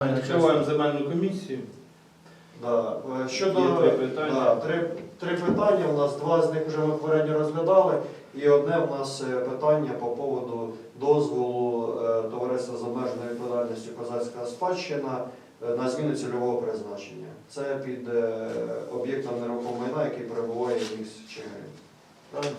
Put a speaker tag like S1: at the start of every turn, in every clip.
S1: Відкриваємо земельну комісію.
S2: Да. Щодо
S1: Є три питання.
S2: три питання, у нас два з них вже ми попередньо розглядали, і одне у нас питання по поводу дозволу товариства з обмеженою відповідальністю «Козацька спадщина» на зміну цільового призначення. Це під об'єктом нерухомого майна, який перебуває в місті Чигирин. Правильно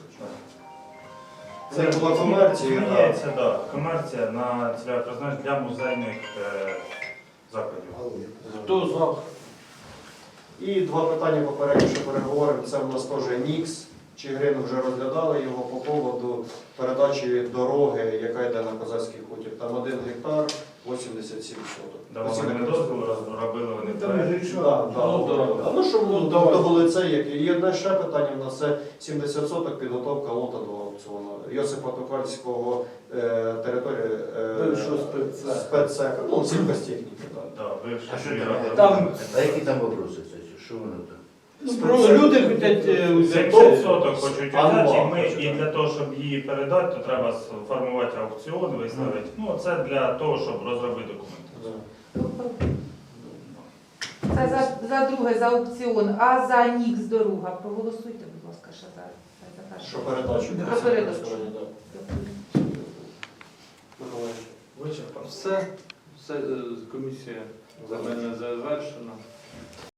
S2: це? Це була комерція.
S3: Зміняється, так. Комерція на цільове призначення для музейних закладів.
S1: Хто за?
S2: І два питання попередньо, що переговоримо. Це у нас теж НІКС. Чигирин вже розглядали його по поводу передачі дороги, яка йде на Козацький хутір. Там 1 гектар, 87 соток.
S3: Давали ми дозвіл, робили вони проект.
S2: Ну, що до вулиці, і одне ще питання у нас це 70 соток підготовка лота до аукціону. Йосипа Токарського території спецсека, ну, сільхозтехніки.
S3: Бивша
S4: А що
S3: фірма.
S1: там?
S4: А які там вопроси, кстати? Що воно там?
S1: Люди хочуть
S3: 70 соток хочуть
S2: Анва.
S3: взяти, і ми і для того, щоб її передати, то треба сформувати аукціон, виставити. Ну, це для того, щоб розробити документи.
S5: Це за друге, за аукціон, а за НІКС дорога. Проголосуйте, будь ласка, ще за перше.
S2: Що передачу?
S5: Про передачу.
S1: Вичерпано. Все. Комісія земельна завершена.